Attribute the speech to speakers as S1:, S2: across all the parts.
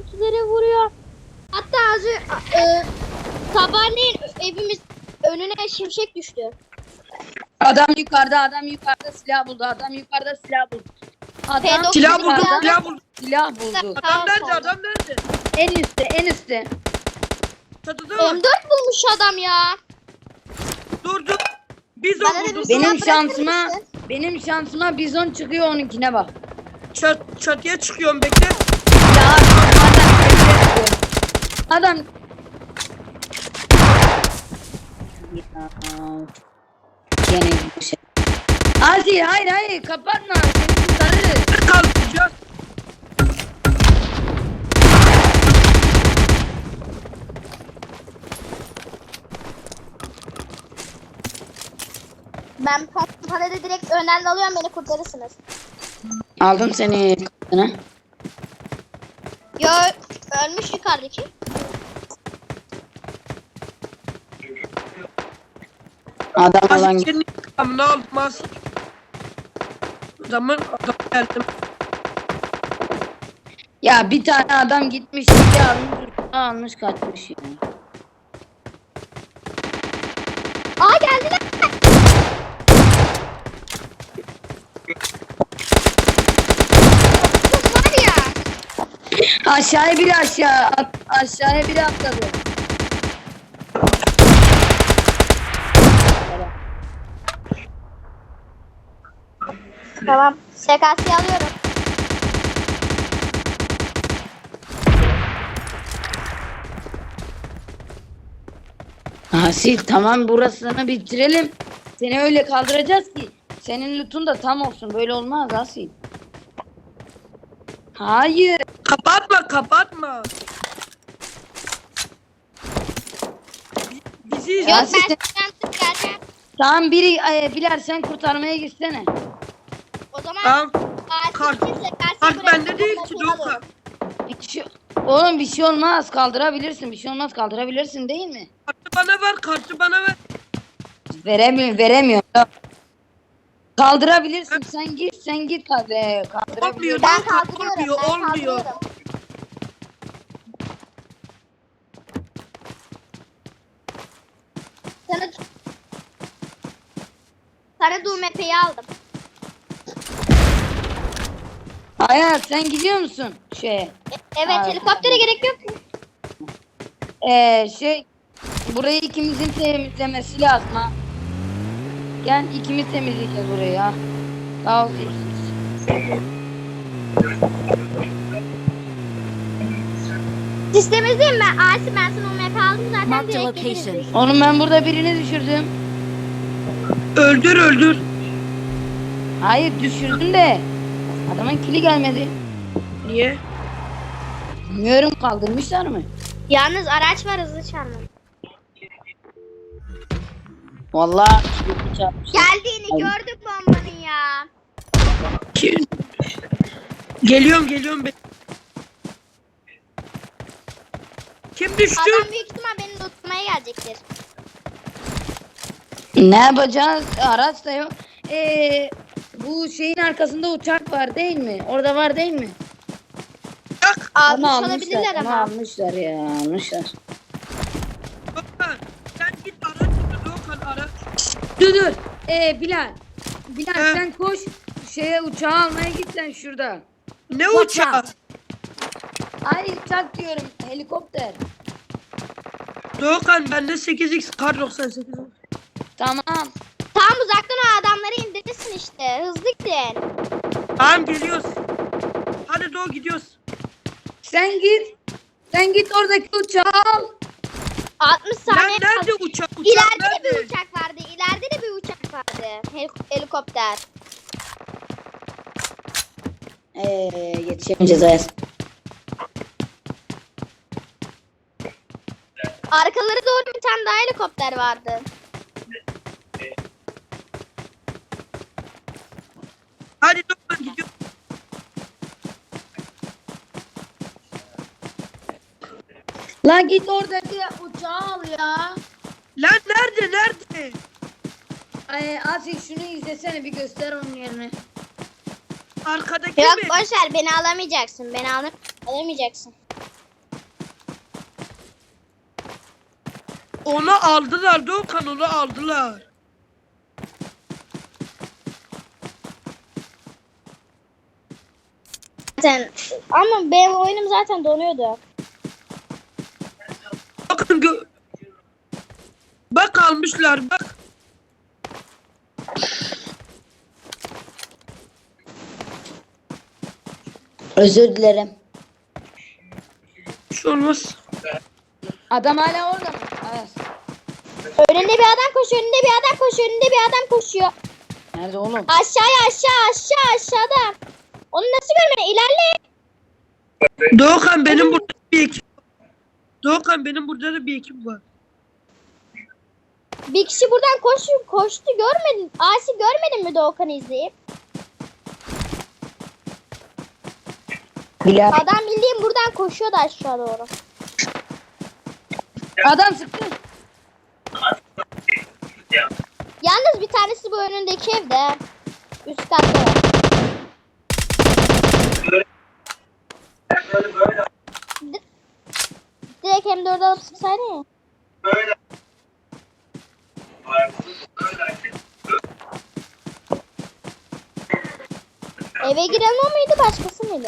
S1: görüntüleri vuruyor. Hatta az sabahleyin evimiz önüne şimşek düştü.
S2: Adam yukarıda silah buldu. Adam yukarıda silah buldu. Adam
S1: P90
S3: Silah buldu,
S2: yukarıda
S3: silah buldu.
S2: silah buldu.
S3: Adam nerede, adam nerede?
S2: En üstte.
S3: Çatıda mı?
S1: M4 bulmuş adam ya.
S3: Dur dur. Biz
S1: Bana da
S3: o
S1: bir
S3: bulduk.
S1: silah
S2: Benim şansıma bizon çıkıyor, onunkine bak.
S3: Çatıya çıkıyorum, bekle.
S2: Ya adam ya. Gene bir şey. Aziz hayır kapatma, seni kurtarırız.
S3: Kalkacağız.
S1: Ben pompalada direkt önden alıyorum, beni kurtarırsınız.
S2: Aldım seni kapına.
S1: Yo, ölmüş yukarıdaki.
S2: Adam olan
S3: Aziz senin intikamını almaz. Adam geldim.
S2: ya bir tane adam gitmiş ya almış kaçmış ya.
S1: Aa, geldiler. Var ya.
S2: Aşağıya biri atladı.
S1: Tamam. SKS'yi alıyorum.
S2: Asil tamam, burasını bitirelim. Seni öyle kaldıracağız ki senin loot'un da tam olsun. Böyle olmaz Asil. Hayır.
S3: Kapatma. Bizi
S1: Yok,
S2: Ya
S1: ben
S2: siz-
S1: sıkıntı geleceğim.
S2: Tamam biri Bilal sen kurtarmaya gitsene.
S1: O zaman
S3: Tamam.
S1: Kart
S3: Bende değil ki Doğukan.
S2: Oğlum bir şey olmaz, kaldırabilirsin. Bir şey olmaz, kaldırabilirsin değil mi?
S3: Kartı bana ver.
S2: Veremiyorum. Kaldırabilirsin. Sen git hadi. Kaldırabilirsin.
S1: Ben
S3: Kart
S1: kaldırıyorum.
S3: olmuyor.
S1: Sana DUMP'yi aldım.
S2: Hayat sen gidiyor musun şeye?
S1: Evet,
S2: Aa,
S1: helikoptere gerek yok mu?
S2: Burayı ikimizin temizlemesi lazım ha. Gel ikimiz temizleyeceğiz burayı ha. Sağ ol.
S1: Sistemizeyim ben. Asi, ben sana UMP aldım zaten,
S4: Marked
S1: direkt
S4: location.
S1: geliriz.
S2: Oğlum ben burada birini düşürdüm.
S3: Öldür.
S2: Hayır düşürdüm de adamın kili gelmedi.
S3: Niye?
S2: Bilmiyorum, kaldırmışlar mı?
S1: Yalnız araç var, hızlı çarpma.
S2: Vallahi kilimi çarpmış.
S1: Geldiğini
S2: Ay.
S1: gördük bombanın ya.
S3: Geliyorum. Kim düştü?
S1: Adam büyük ihtimal beni tutmaya gelecektir.
S2: Ne yapacağız? Araç da yok. Bu şeyin arkasında uçak var değil mi? Orada var değil mi?
S1: Almış
S2: Ama
S1: olabilirler
S2: ama
S1: ama.
S2: almışlar.
S3: Doğukan, sen git araç bul, Doğukan araç.
S2: Dur. Bilal
S3: He.
S2: sen koş. Uçağı almaya git sen şurada.
S3: Ne
S4: Watch
S3: uçağı?
S4: out.
S2: Ay uçak diyorum, helikopter.
S3: Doğukan bende 8x kar 98 var.
S2: Tamam.
S1: Tam uzaktan o adamları indirirsin işte. Hızlı gidin.
S3: Tamam geliyoruz. Hadi Doğu gidiyoruz.
S2: Sen git oradaki uçağı al.
S1: 60
S3: Lan
S1: saniye
S3: nerede
S1: kaldı.
S3: uçak?
S1: İleride de
S3: nerede?
S1: bir uçak vardı. İleride de bir uçak vardı. Helikopter.
S2: Yetişemeyeceğiz Ayaz.
S1: Arkaları doğru bir tane daha helikopter vardı.
S3: Hadi Doğukan gidiyoruz.
S2: La git oradaki uçağı al ya.
S3: Lan nerede?
S2: Asil şunu izlesene, bir göster onun yerini.
S3: Arkadaki
S1: Yok,
S3: mi?
S1: boşver, beni alamayacaksın. Alamayacaksın.
S3: Onu aldılar Doğukan, onu aldılar.
S1: Zaten ama benim oyunum zaten donuyordu.
S3: Bakın bak almışlar bak.
S2: Özür dilerim.
S3: Bir şey olmaz.
S2: Adam hala orada mı? Evet.
S1: Önünde bir adam koşuyor, önünde bir adam koşuyor, önünde bir adam koşuyor.
S2: Nerede oğlum?
S1: Aşağıda. Onu nasıl görmedin? İlerle.
S3: Doğukan benim burada bir ekip. Doğukan benim burada da bir ekip var.
S1: Bir kişi buradan koştu görmedin. Asi görmedin mi Doğukan'ı izleyip?
S2: Bilal.
S1: Adam bildiğin buradan koşuyordu aşağı doğru.
S2: Adam sıktı.
S1: Yalnız bir tanesi bu önündeki evde. Üst katta. Direkt M4'ü alıp sıksaydın ya. Eve giren o muydu başkası mıydı?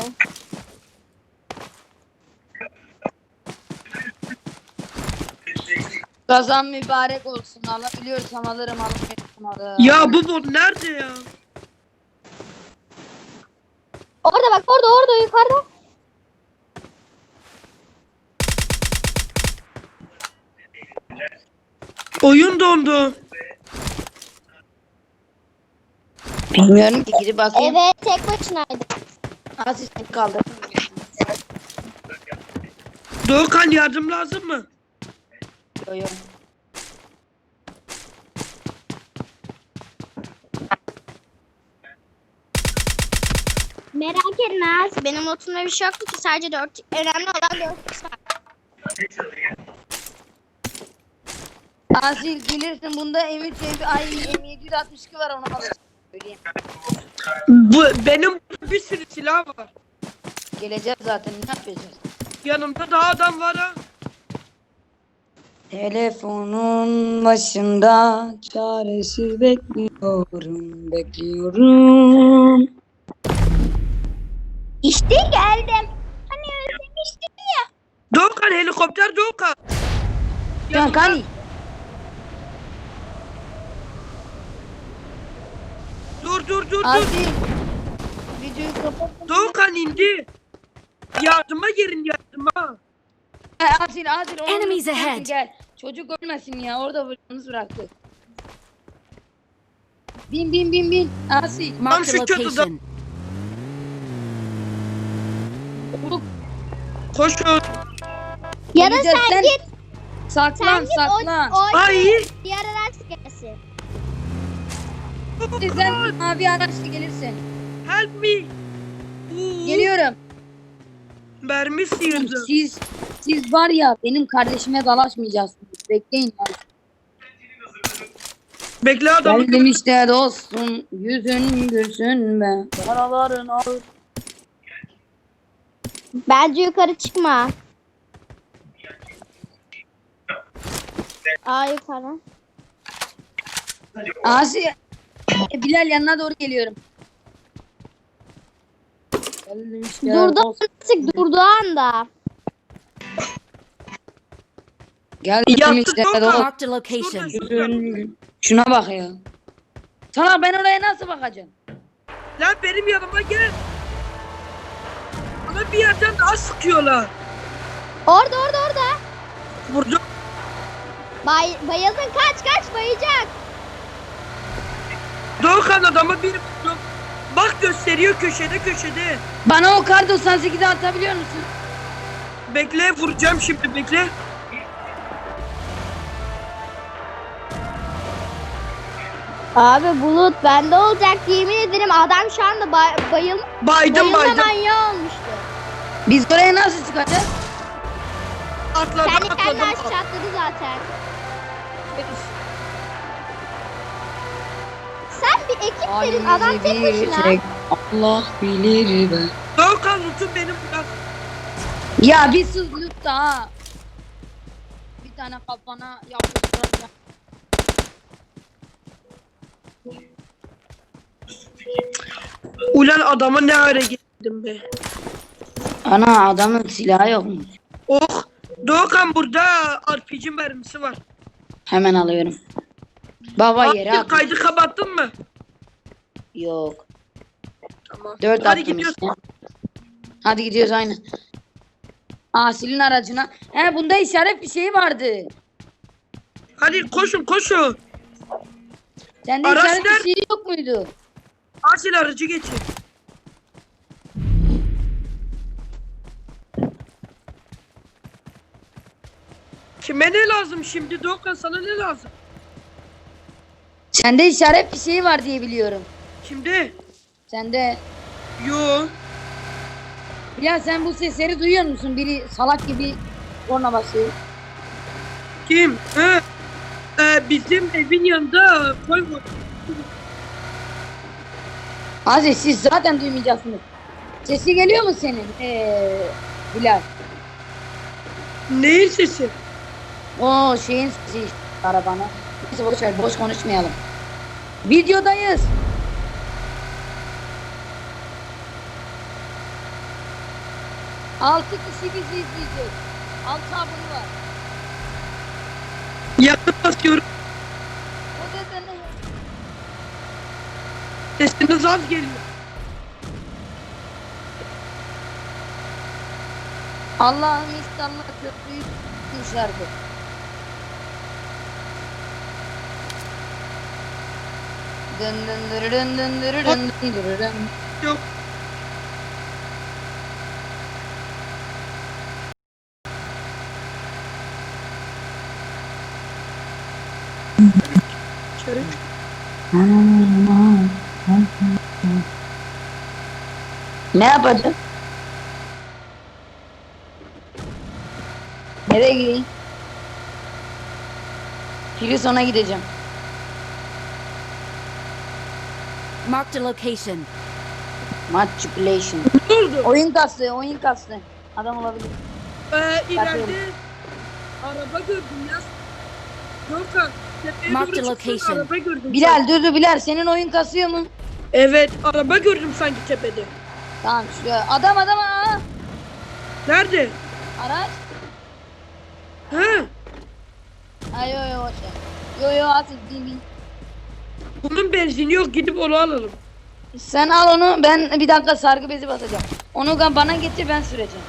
S2: Kazan mübarek olsun. Alabiliyorsam alırım, alamıyorsam alırım.
S3: Ya bu bot nerede ya?
S1: Orada bak orada yukarıda.
S3: Oyun dondu.
S2: Bilmiyorum ki, gidip bakayım.
S1: Evet tek başınaydı.
S2: Asistan kaldı.
S3: Doğukan yardım lazım mı?
S2: Yo yo.
S1: Merak etme az. Benim notumda bir şey yoktu ki sadece 4. Önemli olan 4 var.
S2: Asil gelirsin, bunda M762 var, onu alırsın. Söyleyeyim.
S3: Benim bir sürü silah var.
S2: Geleceğiz zaten, ne yapacağız?
S3: Yanımda daha adam var ha.
S2: Telefonun başında çaresiz bekliyorum.
S1: İşte geldim. Hani özlemiştim ya.
S3: Doğukan helikopter Doğukan.
S2: Can Kani.
S3: Dur.
S2: Asil. Videoyu kapat.
S3: Doğukan indi. Yardıma gelin yardıma.
S2: Asil.
S4: Enemies ahead.
S2: Gel. Çocuk ölmesin ya. Orada yalnız bıraktık. Bin. Asil.
S4: Marked a
S3: şu çatıda.
S4: location.
S3: Koşun.
S1: Ya da
S2: Geleceğiz,
S1: sen git.
S2: Saklan.
S3: Ay.
S1: Diğer araç gelsin.
S2: Sen mavi araçla gelirsin.
S3: Help me.
S2: Geliyorum.
S3: Mermi sıyırdı.
S2: Siz var ya, benim kardeşime dalaşmayacaksınız. Bekleyin lan.
S3: Bekle adamı.
S2: Geldim işte dostum. Yüzün gülsün be. Yaraların ağır.
S1: Bence yukarı çıkma. Yukarı.
S2: Asi. Bilal yanına doğru geliyorum. Geldim işte
S1: Artık durduğu anda.
S2: Geldim
S3: Yattı
S2: işte
S3: Doğukan.
S2: dostum.
S4: Marked a location.
S2: Şuna bak ya. Sana ben oraya nasıl bakacağım?
S3: Lan benim yanıma gel. Bana bir yerden daha sıkıyorlar.
S1: Orada.
S3: Vurdum.
S1: Bayıldın kaç bayacak.
S3: Doğukan adamı bir vurdum. Bak gösteriyor köşede.
S2: Bana o kar 98'i atabiliyor musun?
S3: Bekle vuracağım şimdi bekle.
S1: Abi bulut bende olacak yemin ederim adam şu anda bayılma
S3: Baydım.
S1: manyağı olmuştu.
S2: Biz oraya nasıl çıkacağız?
S3: Atladım.
S1: Kendi kendine aşağı atladı zaten. Sen bir ekiplerin adam tek başına.
S2: Allah bilir be.
S3: Doğukan lütfen benim biraz.
S2: Ya bir sus lütfen ha. Bir bir tane kafana yapıştıracağım.
S3: Ulan adama ne ara gittim be.
S2: Ana adamın silahı yokmuş.
S3: Oh. Doğukan burada RPG mermisi var.
S2: Hemen alıyorum. Baba yere
S3: Abi,
S2: at.
S3: kaydı kapattın mı?
S2: Yok.
S3: Tamam.
S2: 4
S3: Hadi
S2: attım
S3: gidiyoruz.
S2: işte. Hadi gidiyoruz aynı. Asil'in aracına. He bunda işaret bir şey vardı.
S3: Hadi koşun koşun.
S2: Sende
S3: Araç
S2: işaret bir
S3: nerede?
S2: şey yok muydu?
S3: Asil aracı geçin. Kime ne lazım şimdi Doğukan, sana ne lazım?
S2: Sende işaret bir şey var diye biliyorum.
S3: Şimdi?
S2: Sende.
S3: Yo.
S2: Ya sen bu sesleri duyuyor musun? Biri salak gibi korna basıyor.
S3: Kim? Bizim evin yanında koy var.
S2: Aziz siz zaten duymayacaksınız. Sesi geliyor mu senin? Bilal.
S3: Neyin sesi?
S2: O şeyin sesi işte, arabana. Neyse boş ver, boş konuşmayalım. Videodayız. Altı kişi bizi izleyecek. 6 abone var.
S3: Yakın basıyorum.
S2: O da ne?
S3: Sesiniz az geliyor.
S2: Allah'ım İstanbul'a köprüyü tutmuşlardı. Dın dın dırı dın dın dırı dın dın dırı dın.
S3: Yok. Çörük.
S2: Ne yapacağız? Nereye gideyim? Filison'a gideceğim.
S4: Marked a location.
S2: Manipulation.
S3: Ne oldu?
S2: Oyun kastı, oyun kastı. Adam olabilir.
S3: İleride araba gördüm ya. Doğukan. Tepeye
S4: Mark the
S3: doğru çıktın,
S4: location.
S3: araba gördüm.
S2: Bilal dur Bilal senin oyun kasıyor mu?
S3: Evet, araba gördüm sanki tepede.
S2: Tamam şuraya. Adam aa!
S3: Nerede?
S2: Araç.
S3: Ha?
S2: Ay yo yo boş ver. Yo yo artık değil.
S3: Bunun benzini yok, gidip onu alalım.
S2: Sen al onu, ben bir dakika sargı bezi basacağım. Onu bana getir, ben süreceğim.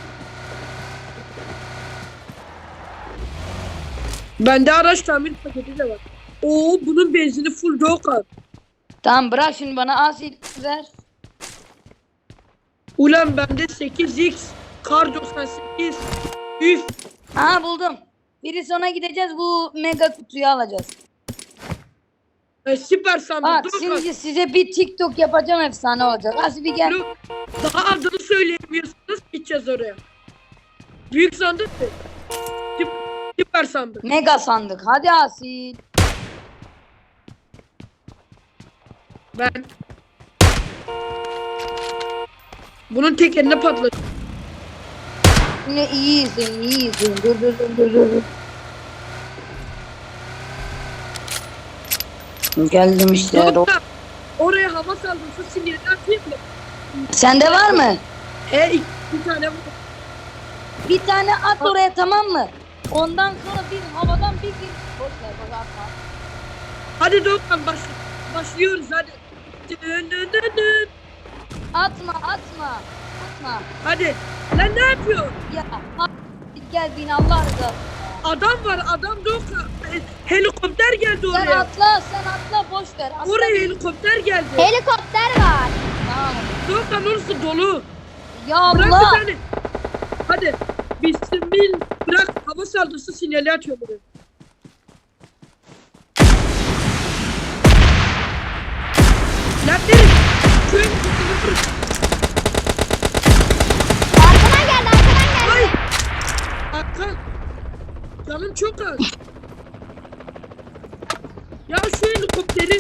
S3: Bende araç tamir paketi de var. Oo, bunun benzini full Doğukan.
S2: Tamam bırak şimdi bana asil ver.
S3: Ulan bende 8x, kar 98. Üf.
S2: Aha buldum. Biri sona gideceğiz, bu mega kutuyu alacağız.
S3: Süper sandık
S2: Bak
S3: Doğukan.
S2: şimdi size bir TikTok yapacağım, efsane olacak. Asil bir gel.
S3: Daha adını söyleyemiyorsunuz, gideceğiz oraya. Büyük sandık mı? Süper sandık.
S2: Mega sandık. Hadi asil.
S3: Ben. Bunun tekerine patladı.
S2: Yine iyi izleyin, iyi izleyin. Dur. Geldim işte.
S3: Doğukan, oraya hava saldırısı sinyali atayım mı?
S2: Sende var mı?
S3: Bir tane var.
S2: Bir tane at oraya, tamam mı? Ondan sonra biz havadan bir gir. Boş ver bak atma.
S3: Hadi Doğukan başlıyoruz hadi. Dın.
S2: Atma.
S3: Hadi. Lan ne yapıyor?
S2: Ya gel bin Allah rızası.
S3: Adam var, adam Doğukan. Helikopter geldi
S2: Sen
S3: oraya.
S2: atla boş ver. Atla
S3: Oraya
S2: bin.
S3: helikopter geldi.
S1: Helikopter var.
S2: Tamam.
S3: Doğukan orası dolu.
S2: Ya
S3: Bırak
S2: Allah.
S3: bir tane. Hadi. Bismillah. Bırak, hava saldırısı sinyali atıyor buraya. Lan derim. Şu helikopteri bırak.
S1: Arkadan geldi.
S3: Ay. Hakan. Canım çok az. Ya şu helikopteri.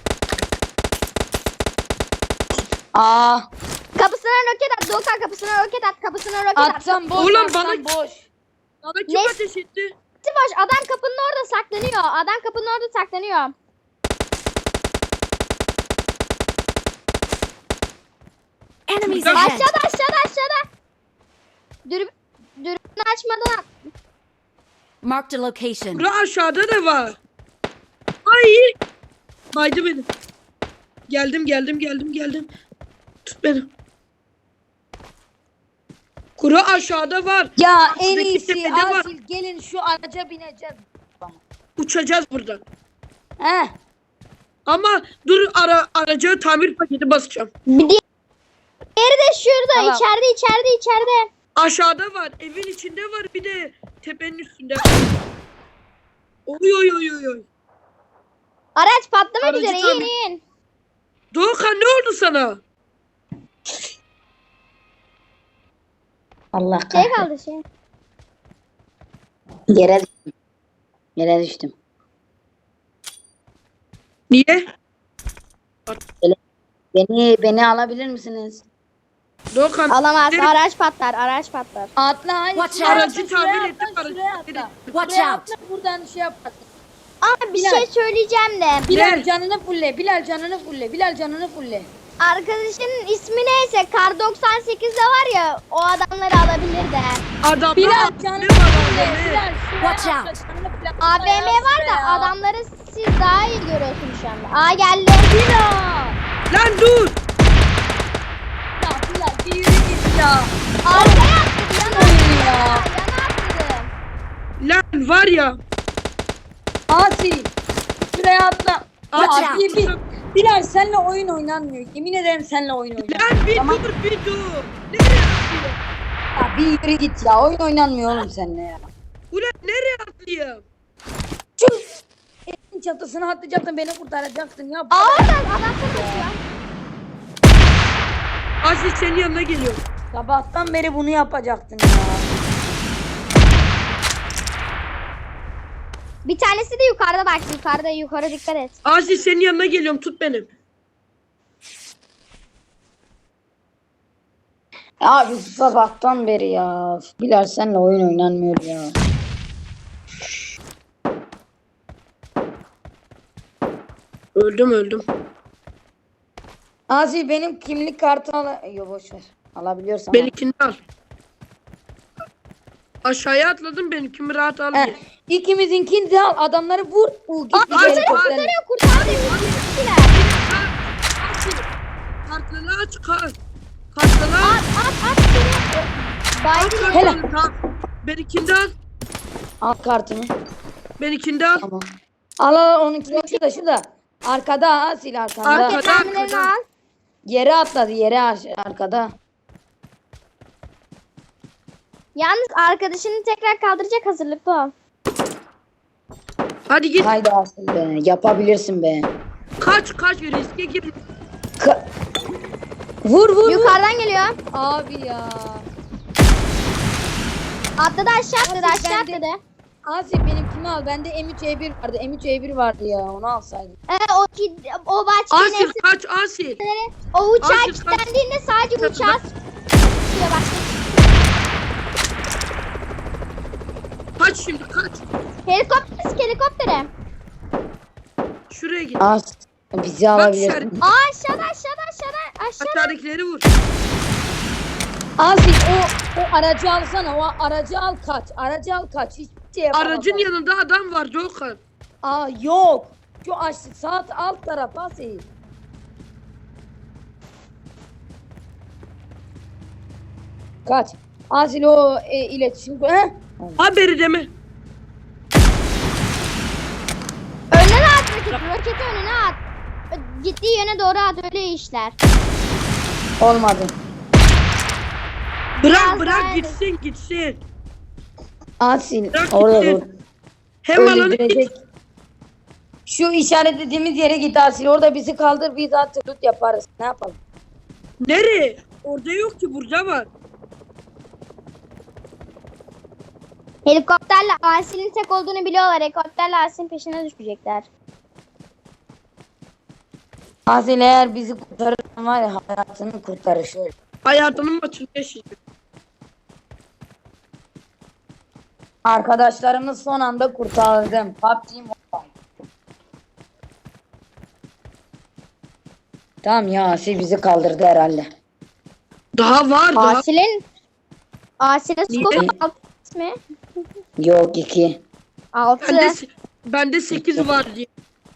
S1: Kapısına roket at. Doğukan kapısına roket at.
S2: Atsam boş.
S3: Ulan
S2: atsam
S3: bana-
S2: boş.
S3: Bana kim
S1: Ne?
S3: ateş etti?
S1: var. Adam kapının orada saklanıyor. Adam kapının orada saklanıyor.
S4: Enemies ahead!
S1: Aşağıda. Dürbünü açmadan.
S4: Marked a location.
S3: Bura aşağıda da var. Ay. Baydı beni. Geldim. Tut beni. Kuru aşağıda var.
S2: Ya en
S3: Şuradaki
S2: iyisi
S3: tepede var.
S2: Asil gelin şu araca bineceğiz.
S3: Uçacağız buradan.
S2: He.
S3: Ama dur araca tamir paketi basacağım.
S1: Bir diğeri de şurada.
S2: Tamam.
S1: İçeride.
S3: Aşağıda var. Evin içinde var. Bir de tepenin üstünde. Oy.
S1: Araç patlamak
S3: Aracı
S1: üzere.
S3: tamir-
S1: İn.
S3: Doğukan ne oldu sana?
S2: Allah
S1: Şey
S2: kahretsin.
S1: kaldı şey.
S2: Yere düştüm.
S3: Niye?
S2: Beni alabilir misiniz?
S3: Doğukan.
S1: Alamaz.
S3: derim,
S1: Araç patlar.
S2: Atla hayır.
S4: Watch
S2: şuraya
S4: out.
S2: atla,
S3: Aracı
S2: şuraya
S3: tamir ettim,
S2: atla,
S3: aracı
S2: şuraya
S3: tamir
S2: atla.
S4: Watch
S2: Şuraya
S4: out.
S2: atla, buradan şey yap.
S1: Ama bir
S2: Bilal.
S1: şey söyleyeceğim de.
S2: Bilal
S3: Ne?
S2: canını fulle. Bilal canını fulle.
S1: Arkadaşının ismi neyse Kar 98'de var ya o adamları alabilir de.
S3: Adamlar
S2: Bilal
S3: AVM
S2: canını
S3: var,
S2: fulle.
S3: AVM.
S2: Bilal şuraya
S4: Watch
S2: atla,
S4: out.
S2: canını fulle.
S1: AVM var da
S2: Şuraya.
S1: adamları siz daha iyi görüyorsunuz şu anda. Aa geldi.
S2: Bilal.
S3: Lan dur.
S2: Ya Bilal bir yürü git ya.
S1: Arkaya attım.
S2: Oyun ya.
S1: Yana attım.
S3: Lan var ya.
S2: Asil. Şuraya atla.
S3: Watch
S2: Ya,
S3: out.
S2: Bilal seninle oyun oynanmıyor. Yemin ederim seninle oyun oynanmıyor.
S3: Lan bir
S2: Tamam.
S3: dur. Nereye atlayayım?
S2: Ya bir yürü git ya. Oyun oynanmıyor oğlum seninle ya.
S3: Ulan nereye atlayayım?
S2: Şu evin çatısına atlayacaktın beni kurtaracaktın ya.
S1: Aa adam kaçıyor.
S3: Aziz senin yanına geliyor.
S2: Sabahtan beri bunu yapacaktın ya.
S1: Bir tanesi de yukarıda bak. Yukarı dikkat et.
S3: Aziz senin yanına geliyorum. Tut beni.
S2: Ya biz sabahtan beri ya. Bilal seninle oyun oynanmıyor ya.
S3: Öldüm.
S2: Asil benim kimlik kartı al. Yok boş ver. Alabiliyorsan. al.
S3: Benimkini al. Aşağıya atladım benimkini rahat al diye.
S2: İkimizinkini de al. Adamları vur. Git bir
S3: Asil,
S2: helikopterle.
S1: Kurtardı. Kişiler.
S3: Kartları aç. Kartları aç.
S1: At. Baydı.
S2: Hele.
S3: Benimkini de al.
S2: Al kartını.
S3: Benimkini de al.
S2: Tamam. Al onunkini şurada. Arkada Asil arkanda.
S3: Arkada.
S1: Mermilerini al.
S2: Yere atladı arkada.
S1: Yalnız arkadaşını tekrar kaldıracak hazırlıklı ol.
S3: Hadi git.
S2: Haydi Asil be. Yapabilirsin be.
S3: Kaç riske gir.
S2: Vur.
S1: Yukarıdan geliyor.
S2: Abi ya.
S1: Atladı aşağı
S2: Asil, ben de-
S1: atladı.
S2: Asil benimkini al. Bende M3E1 vardı. M3E1 vardı ya. Onu alsaydım.
S1: O bahçenin
S3: Asil kaç Asil.
S1: o uçağa
S3: Asil, kaç.
S1: kilitlendiğinde sadece
S3: Kaç.
S1: uçağa sıkıyor bak.
S3: Kaç şimdi kaç.
S1: Helikoptere.
S3: Şuraya git.
S2: Bizi
S3: Bak
S2: alabilirsin.
S1: Aa aşağıda.
S3: aşağıdakileri vur.
S2: Asil o aracı alsana. O aracı al kaç. Aracı al kaç. Hiçbir şey yapamaz.
S3: Aracın yanında adam var Doğukan.
S2: Aa yok. Şu sağ alt taraf Asil. Kaç. Asil o iletişim. He?
S3: Haberi deme.
S1: Önüne at roketi önüne at. Gittiği yöne doğru at öyle işler.
S2: Olmadı.
S1: Biraz
S3: Bırak
S1: daha-
S3: gitsin.
S2: Asil
S3: Bırak
S2: orada dur.
S3: gitsin. Hem alanı
S2: Öldürecek. Şu işaretlediğimiz yere git Asil. Orada bizi kaldır. Biz artık loot yaparız. Ne yapalım?
S3: nereye? Orada yok ki burada var.
S1: Helikopterle Asil'in tek olduğunu biliyorlar. Helikopterle Asil'in peşine düşecekler.
S2: Asil eğer bizi kurtarırsan var ya hayatını kurtarır şöyle.
S3: Hayatının maçını yaşayacak.
S2: Arkadaşlarımı son anda kurtardım. PUBG Mobile. Tamam ya, Asil bizi kaldırdı herhalde.
S3: Daha var daha.
S1: Asil'in
S3: Niye?
S1: skopu 6 mi?
S2: Yok 2.
S1: 6.
S3: Bende 8 var diye.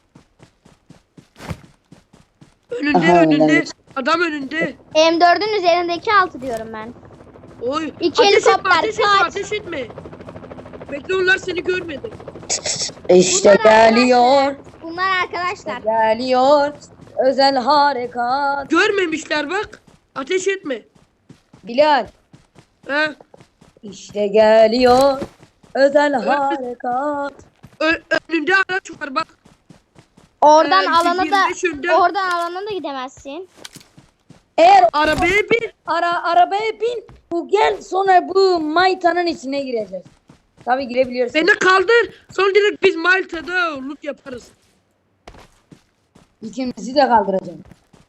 S3: Önünde
S2: Aha,
S3: önünde.
S2: öyle.
S3: Adam önünde.
S1: M4'ün üzerindeki 6 diyorum ben.
S3: Oy.
S1: İki
S3: Ateş etme,
S1: helikopter,
S3: ateş etme,
S1: kaç.
S3: ateş etme. Bekle, onlar seni görmedi.
S2: İşte geliyor.
S1: Bunlar arkadaşlar.
S2: Geliyor. Özel harekat.
S3: Görmemişler bak. Ateş etme.
S2: Bilal.
S3: He.
S2: İşte geliyor. Özel harekat.
S3: Önünde araç var bak.
S1: Oradan
S3: 25 önde.
S1: alana da gidemezsin.
S2: Eğer
S3: Arabaya bin.
S2: arabaya bin. Bu gel, sonra bu Mayta'nın içine gireceğiz. Tabii girebiliyorsun.
S3: Beni kaldır. Sonra direkt biz Malta'da loot yaparız.
S2: İkimizi de kaldıracağım.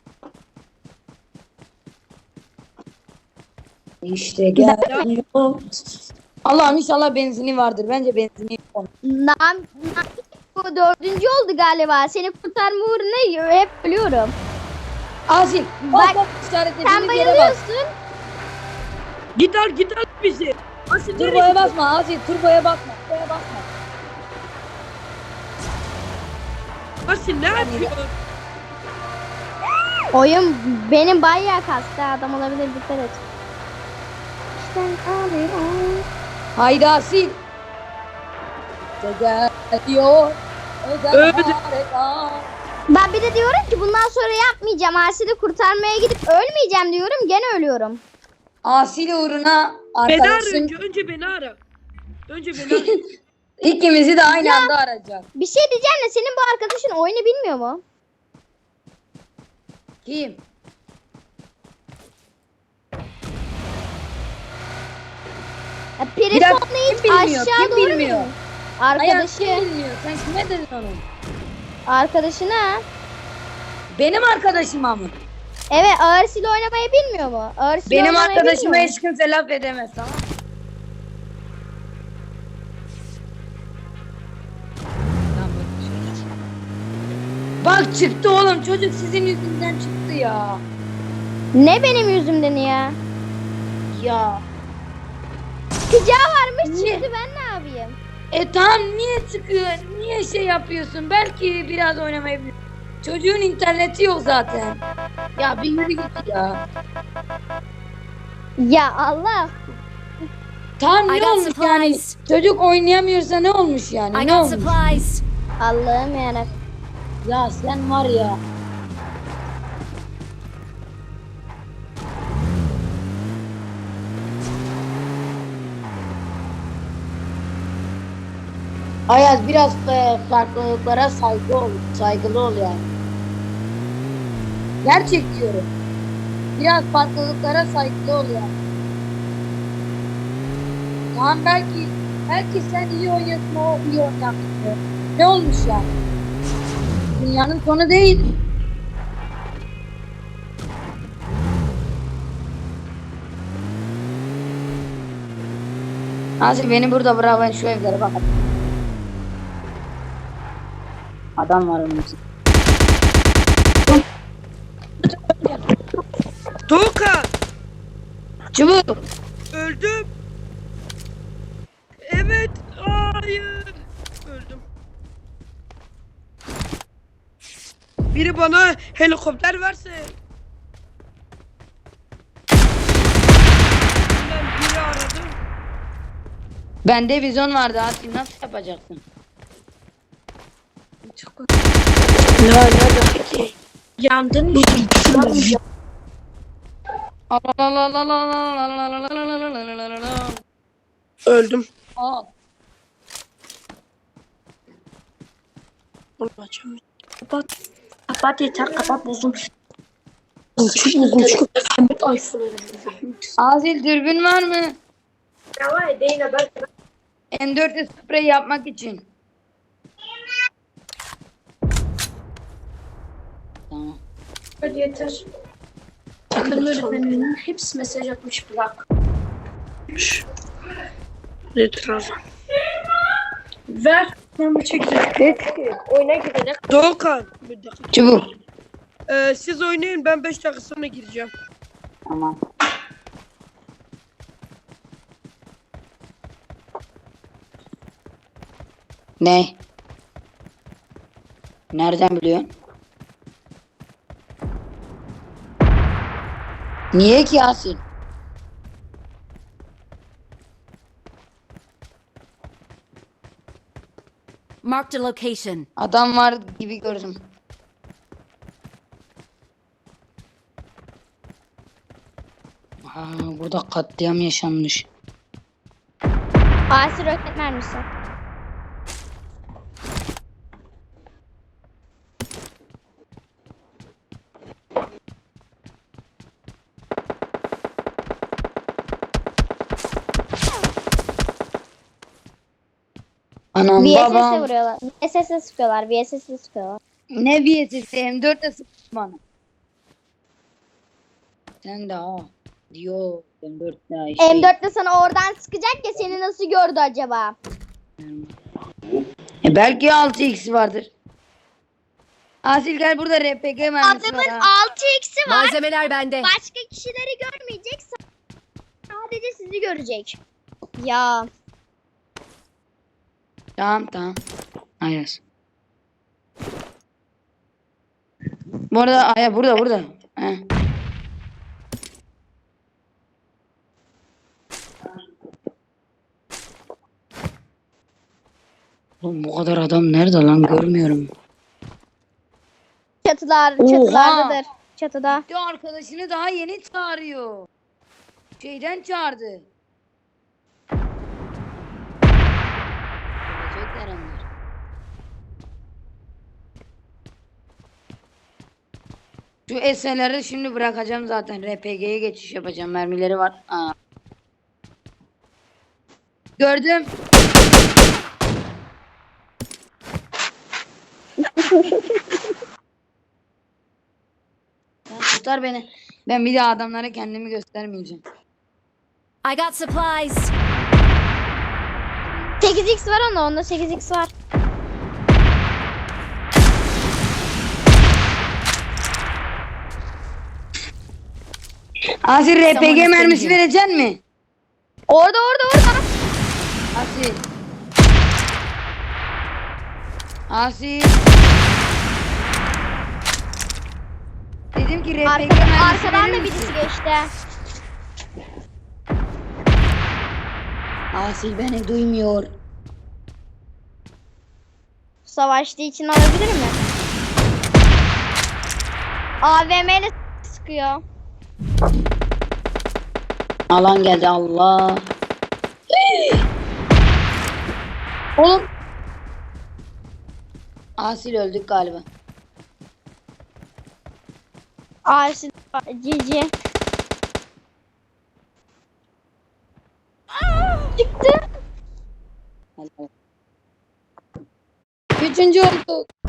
S2: İşte geliyor. Allah'ım inşallah benzini vardır. Bence benzini yok.
S1: Bu 4. oldu galiba. Seni kurtarma uğruna hep ölüyorum.
S2: Asil.
S1: Bak,
S2: Bak
S1: Sen
S2: işaretlediğimiz yere bak.
S1: bayılıyorsun.
S3: Git al bizi. Asil nereye
S2: Turboya
S3: gidiyor?
S2: basma Asil. Turboya basma. Turboya basma.
S3: Asil ne yapıyor?
S1: Oyun benim bayağı kastı. Adam olabilir, dikkat et.
S2: Haydi Asil. İşte geliyor. Özel
S3: Öldü.
S2: harekat.
S1: Ben bir de diyorum ki bundan sonra yapmayacağım. Asil'i kurtarmaya gidip ölmeyeceğim diyorum. Gene ölüyorum.
S2: Asil uğruna
S3: Beni ara
S2: arkadaşın
S3: önce beni ara. Önce beni ara.
S2: ikimizi de aynı anda arayacak.
S1: Bir şey diyeceğim de senin bu arkadaşın oyunu bilmiyor mu?
S2: Kim?
S1: Ya,
S2: Bir dakika,
S1: Perison'la
S2: kim
S1: hiç
S2: bilmiyor?
S1: aşağı
S2: Kim
S1: doğru
S2: bilmiyor?
S1: mu? Arkadaşı.
S2: Hayat bilmiyor. Sen kime dedin onu?
S1: Arkadaşına.
S2: Benim arkadaşıma mı?
S1: Evet, Arsil oynamayı bilmiyor mu? Arsil
S2: Benim
S1: oynamayı
S2: arkadaşıma
S1: bilmiyor mu?
S2: hiç kimse laf edemez, tamam mı? Bak çıktı oğlum, çocuk sizin yüzünden çıktı ya.
S1: Ne benim yüzümden ya?
S2: Ya.
S1: Sıcağı varmış
S2: Niye?
S1: çıktı, ben ne yapayım?
S2: Tamam, niye çıkıyor? Niye şey yapıyorsun? Belki biraz oynamayı bilir. Çocuğun interneti yok zaten. Ya bir yürü git ya.
S1: Ya Allah.
S2: Tamam,
S4: I
S2: ne
S4: got
S2: olmuş yani?
S4: supplies.
S2: Çocuk oynayamıyorsa ne olmuş yani?
S4: I
S2: Ne
S4: got
S2: olmuş?
S4: supplies.
S1: Allah'ım yarabbim.
S2: Ya sen var ya. Ayaz, biraz farklılıklara saygılı ol yani. Gerçek diyorum. Biraz farklılıklara saygılı ol yani. Tamam, belki sen iyi oynuyorsun, o iyi oynamıyor. Ne olmuş yani? Dünyanın sonu değil. Asil beni burada bırak, ben şu evlere bakalım. Adam var onun için.
S3: Doğukan.
S2: Çubuk.
S3: Öldüm. Evet. Hayır. Öldüm. Biri bana helikopter verse. Ben biri aradım.
S2: Bende vizyon vardı Asil, nasıl yapacaksın?
S3: La peki. Yandın mı? Öldüm.
S2: Aa,
S3: Açamıyorum. Kapat. Kapat yeter, kapat bozum. Bozum. Ahmet iPhone.
S2: Asil dürbün var mı?
S3: Ya var değil ben.
S2: M4'e sprey yapmak için. Tamam.
S3: Hadi yeter. Takım öğretmeninin hepsi mesaj atmış bırak. Nedir o zaman?
S2: Ver. Ben bu çekeceğim. Oyuna girelim.
S3: Doğukan. Bir dakika.
S5: Çubuk.
S3: Siz oynayın, ben 5 dakika sonra gireceğim.
S5: Tamam. Ne? Nereden biliyorsun? Niye ki Yasin?
S4: Marked a location.
S5: Adam var gibi gördüm. Burada katliam yaşanmış.
S1: Asi roket mermisi.
S5: Anam
S1: VSS'e
S5: babam.
S1: vuruyorlar. VSS'e sıkıyorlar. VSS'e sıkıyorlar.
S5: Ne VSS M4'le sıktı bana. Sen de ha. Diyor M4'le şey.
S1: M4 de sana oradan sıkacak ya, seni nasıl gördü acaba?
S5: Belki 6x vardır. Asil gel, burada RPG mermisi var ha.
S1: 6x'i
S4: Malzemeler bende.
S1: Başka kişileri görmeyecek. Sadece sizi görecek. Ya.
S5: Tamam. Ayas. Bu arada Aya burada. He. Oğlum bu kadar adam nerede lan, görmüyorum.
S1: Çatılardadır. Çatıda.
S5: Bir arkadaşını daha yeni çağırıyor. Şeyden çağırdı. Gelecekler onlar. Şu eserleri şimdi bırakacağım zaten. RPG'ye geçiş yapacağım. Mermileri var. Aa. Gördüm. Sen tutar beni. Ben bir daha adamlara kendimi göstermeyeceğim.
S4: I got supplies.
S1: 8x var onda 8x var.
S5: Asil RPG mermisi
S4: istemiyor.
S5: verecek mi?
S1: Orada.
S5: Asil. Asil. Dedim ki RPG mermisi
S1: Arkadan
S5: verir
S1: da
S5: misin?
S1: birisi geçti.
S5: Asil beni duymuyor.
S1: Savaştığı için alabilir mi? AVM ile sıkıyor.
S5: Alan geldi, Allah. Oğlum. Asil öldük galiba.
S1: Asi GG. Çıktı.
S5: Helal.
S2: 3. olduk.